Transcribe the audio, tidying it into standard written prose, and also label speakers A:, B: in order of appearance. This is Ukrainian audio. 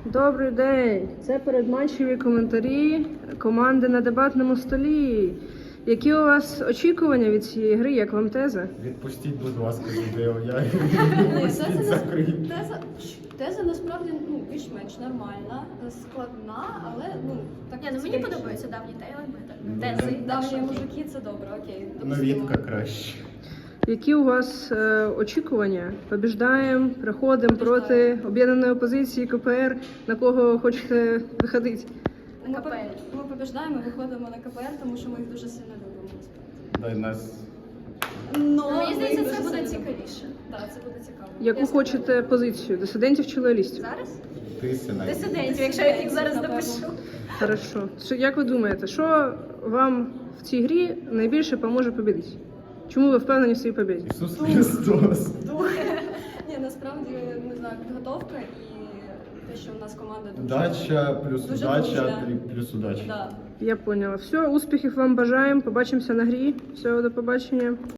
A: Добрий день! Це передматчеві коментарі команди на дебатному столі. Які у вас очікування від цієї гри, як вам теза?
B: Відпустіть, будь ласка, відео. Я
C: Теза,
B: закрию.
C: теза насправді більш-менш нормальна, складна, але так.
D: Ні, мені подобаються давні тези.
C: Давні мужики, це добре, окей.
B: Новітка краще.
A: Які у вас очікування? Побіждаємо, проходимо проти об'єднаної опозиції КПР, на кого хочете виходити?
C: Ми побіждаємо, виходимо на КПР, тому що ми їх дуже сильно любимо.
B: Дай нас.
D: Мені здається, це буде цікавіше.
C: Так, це буде цікаво.
A: Яку хочете позицію? Дисидентів чи лоялістів?
D: Зараз? Дисидентів, якщо я їх зараз допишу.
A: Хорошо. Як ви думаєте, що вам в цій грі найбільше поможе побідити? Чому ви впевнені в своїй побіді?
B: Ісус Христос.
C: Ні, насправді, не знаю, підготовка і те, що в нас команда дуже...
B: Удача плюс
C: Дуже
B: удача
C: дружня.
B: плюс удача.
C: Да.
A: Я поняла. Все, успіхів вам бажаємо. Побачимося на грі. Все, до побачення.